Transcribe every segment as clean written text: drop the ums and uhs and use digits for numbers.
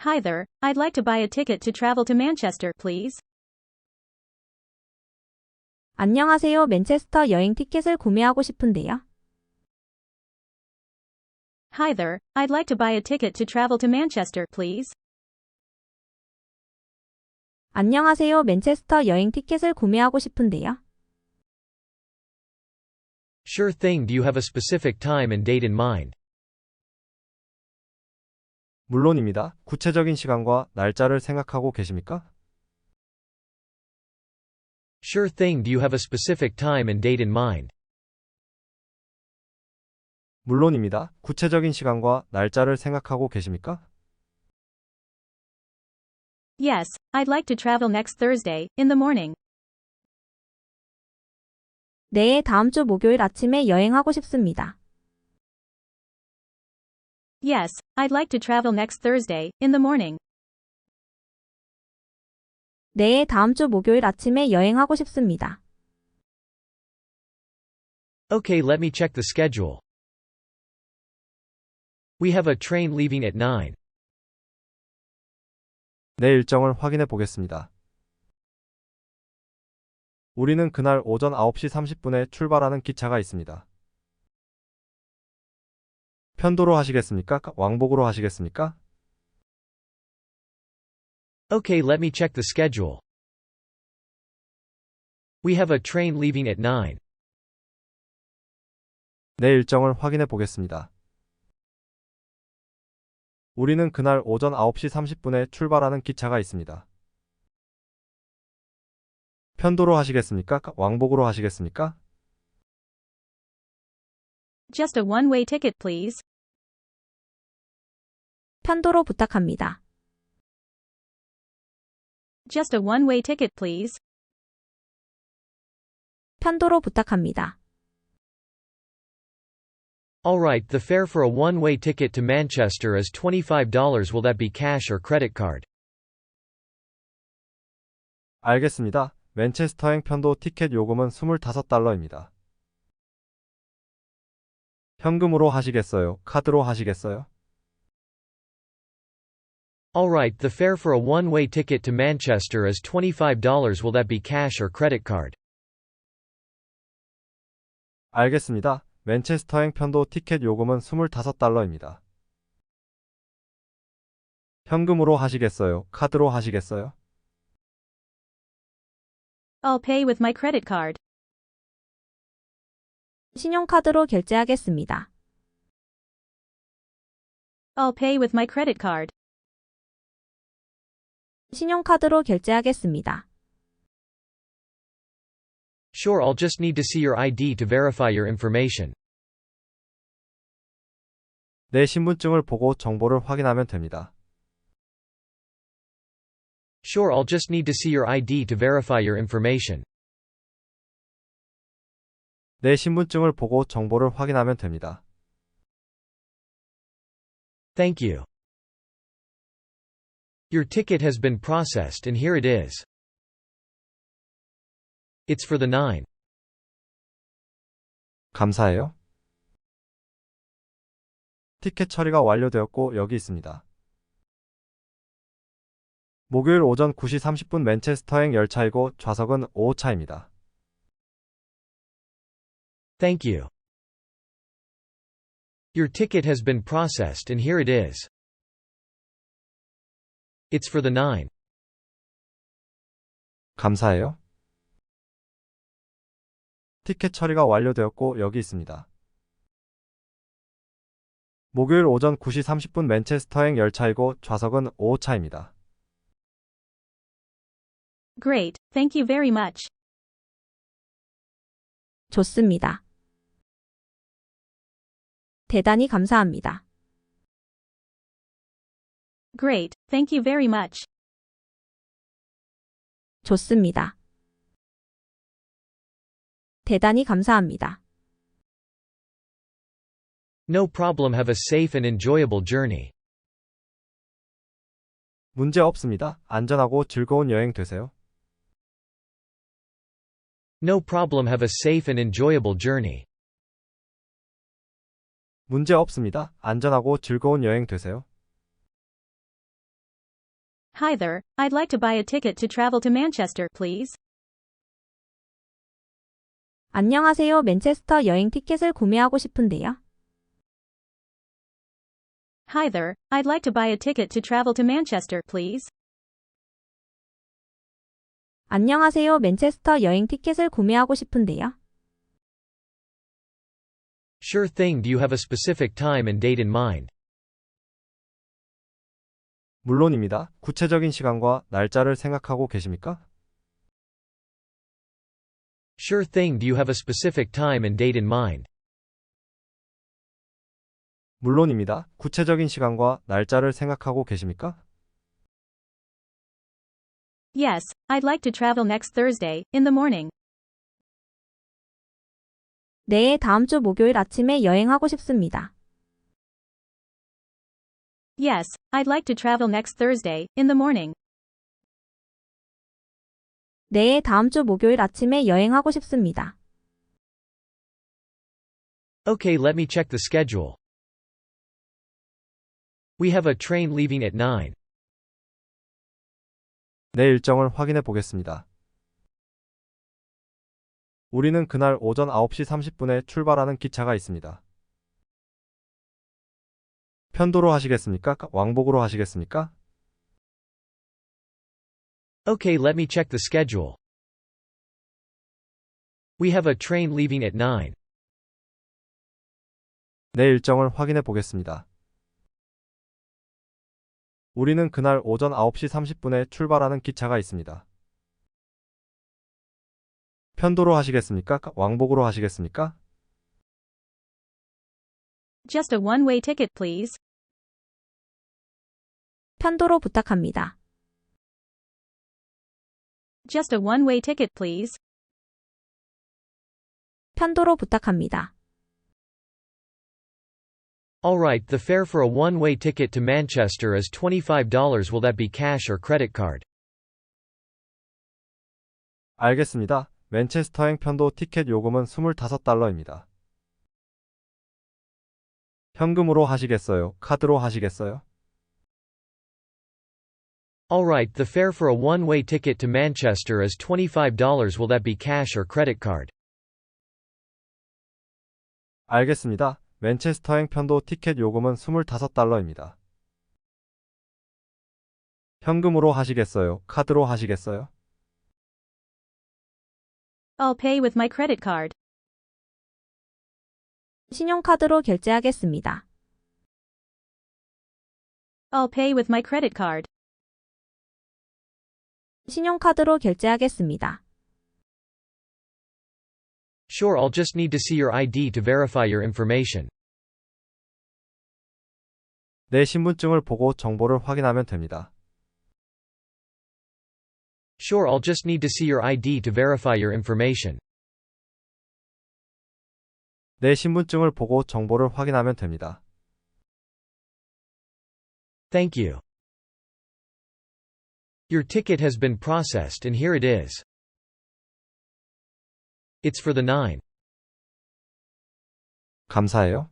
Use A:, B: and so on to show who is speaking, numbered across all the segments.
A: Hi there, I'd like to buy a ticket to travel to Manchester, please.
B: 안녕하세요. 맨체스터 여행 티켓을 구매하고 싶은데요.
A: Hi there, I'd like to buy a ticket to travel to Manchester, please.
B: 안녕하세요. 맨체스터 여행 티켓을 구매하고 싶은데요.
C: Sure thing. Do you have a specific time and date in mind?
D: 물론입니다. 구체적인 시간과 날짜를 생각하고 계십니까?
C: Sure thing. Do you have a specific time and date in mind?
D: 물론입니다. 구체적인 시간과 날짜를 생각하고 계십니까?
A: Yes, I'd like to travel next Thursday, in the morning.
B: 네, 다음 주 목요일 아침에 여행하고 싶습니다.
A: Yes, I'd like to travel next Thursday, in the morning.
B: 네, 다음 주 목요일 아침에 여행하고 싶습니다.
C: Okay, let me check the schedule. We have a train leaving at 9.
D: 내 일정을 확인해 보겠습니다. 우리는 그날 오전 9시 30분에 출발하는 기차가 있습니다. 편도로 하시겠습니까? 왕복으로 하시겠습니까?
C: Okay, let me check the schedule. We have a train leaving at 9.
D: 내 일정을 확인해 보겠습니다. 우리는 그날 오전 9시 30분에 출발하는 기차가 있습니다. 편도로 하시겠습니까? 왕복으로 하시겠습니까?
A: Just a one-way ticket, please.
B: 편도로 부탁합니다.
A: Just a one-way ticket, please.
B: 편도로 부탁합니다.
C: Alright, the fare for a one-way ticket to Manchester is $25. Will that be cash or credit card?
D: 알겠습니다. 맨체스터행 편도 티켓 요금은 $25입니다. 현금으로 하시겠어요? 카드로 하시겠어요?
C: Alright, the fare for a one-way ticket to Manchester is $25. Will that be cash or credit card?
D: 알겠습니다. 맨체스터행 편도 티켓 요금은 $25입니다. 현금으로 하시겠어요? 카드로 하시겠어요?
A: I'll pay with my credit card.
B: 신용카드로 결제하겠습니다.
A: I'll pay with my credit card.
B: 신용카드로 결제하겠습니다.
C: Sure, I'll just need to see your ID to verify your information.
D: 내 신분증을 보고 정보를 확인하면 됩니다.
C: Sure, I'll just need to see your ID to verify your information.
D: 내 신분증을 보고 정보를 확인하면 됩니다.
C: Thank you. Your ticket has been processed and here it is. It's for the 9.
D: 감사해요. 티켓 처리가 완료되었고 여기 있습니다. 목요일 오전 9시 30분 맨체스터행 열차이고 좌석은 5호차입니다.
C: Thank you. Your ticket has been processed and here it is. It's for the 9.
D: 감사해요. 티켓 처리가 완료되었고 여기 있습니다. 목요일 오전 9시 30분 맨체스터행 열차이고 좌석은 5호차입니다.
A: Great, thank you very much.
B: 좋습니다. 대단히 감사합니다.
A: Great, thank you very much.
B: 좋습니다. 대단히 감사합니다.
C: No problem. Have a safe and enjoyable journey.
D: 문제 없습니다. 안전하고 즐거운 여행 되세요.
C: No problem. Have a safe and enjoyable journey.
D: 문제 없습니다. 안전하고 즐거운 여행 되세요.
A: Hi there, I'd like to buy a ticket to travel to Manchester, please.
B: 안녕하세요. 맨체스터 여행 티켓을 구매하고 싶은데요.
A: Hi there, I'd like to buy a ticket to travel to Manchester, please.
B: 안녕하세요. 맨체스터 여행 티켓을 구매하고 싶은데요.
C: Sure thing. Do you have a specific time and date in mind?
D: 물론입니다. 구체적인 시간과 날짜를 생각하고 계십니까?
C: Sure thing. Do you have a specific time and date in mind?
D: 물론입니다. 구체적인 시간과 날짜를 생각하고 계십니까?
A: Yes, I'd like to travel next Thursday, in the morning.
B: 네, 다음 주 목요일 아침에 여행하고 싶습니다.
A: Yes, I'd like to travel next Thursday, in the morning.
B: 네, 다음 주 목요일 아침에 여행하고 싶습니다.
C: Okay, let me check the schedule. We have a train leaving at 9.
D: 내 일정을 확인해 보겠습니다. 우리는 그날 오전 9시 30분에 출발하는 기차가 있습니다. 편도로 하시겠습니까? 왕복으로 하시겠습니까?
C: Okay, let me check the schedule. We have a train leaving at 9.
D: 내 일정을 확인해 보겠습니다. 우리는 그날 오전 9시 30분에 출발하는 기차가 있습니다. 편도로 하시겠습니까? 왕복으로 하시겠습니까?
A: Just a one-way ticket, please.
B: 편도로 부탁합니다.
A: Just a one-way ticket, please.
B: 편도로 부탁합니다.
C: Alright, the fare for a one-way ticket to Manchester is $25. Will that be cash or credit card?
D: 알겠습니다. 맨체스터행 편도 티켓 요금은 $25입니다. 현금으로 하시겠어요? 카드로 하시겠어요?
C: Alright, the fare for a one-way ticket to Manchester is $25. Will that be cash or credit card?
D: 알겠습니다. 맨체스터행 편도 티켓 요금은 $25입니다. 현금으로 하시겠어요? 카드로 하시겠어요?
A: I'll pay with my credit card.
B: 신용카드로 결제하겠습니다.
A: I'll pay with my credit card.
B: 신용카드로 결제하겠습니다.
C: Sure, I'll just need to see your ID to verify your information.
D: 내 신분증을 보고 정보를 확인하면 됩니다.
C: Sure, I'll just need to see your ID to verify your information.
D: 내 신분증을 보고 정보를 확인하면 됩니다.
C: Thank you. Your ticket has been processed and here it is. It's for the 9.
D: 감사해요.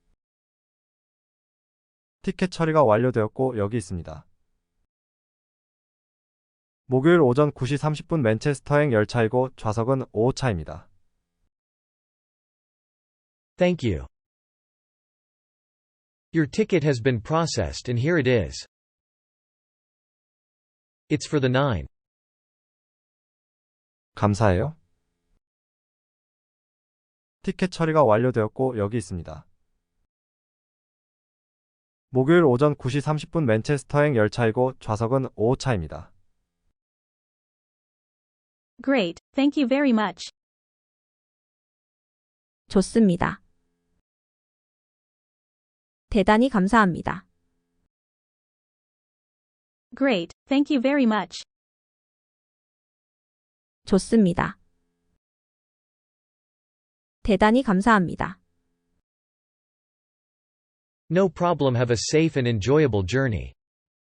D: 티켓 처리가 완료되었고 여기 있습니다. 목요일 오전 9시 30분 맨체스터행 열차이고 좌석은 5호차입니다.
C: Thank you. Your ticket has been processed and here it is. It's for the 9.
D: 감사해요. 티켓 처리가 완료되었고 여기 있습니다. 목요일 오전 9시 30분 맨체스터행 열차이고 좌석은 5호차입니다.
A: Great, thank you very much.
B: 좋습니다. 대단히 감사합니다.
A: Great, thank you very much.
B: 좋습니다. 대단히 감사합니다.
C: No problem. Have a safe and enjoyable journey.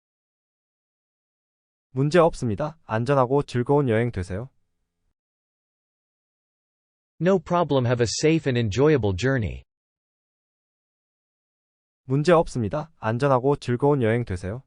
D: 문제 없습니다. 안전하고 즐거운 여행 되세요.
C: No problem. Have a safe and enjoyable journey.
D: 문제 없습니다. 안전하고 즐거운 여행 되세요.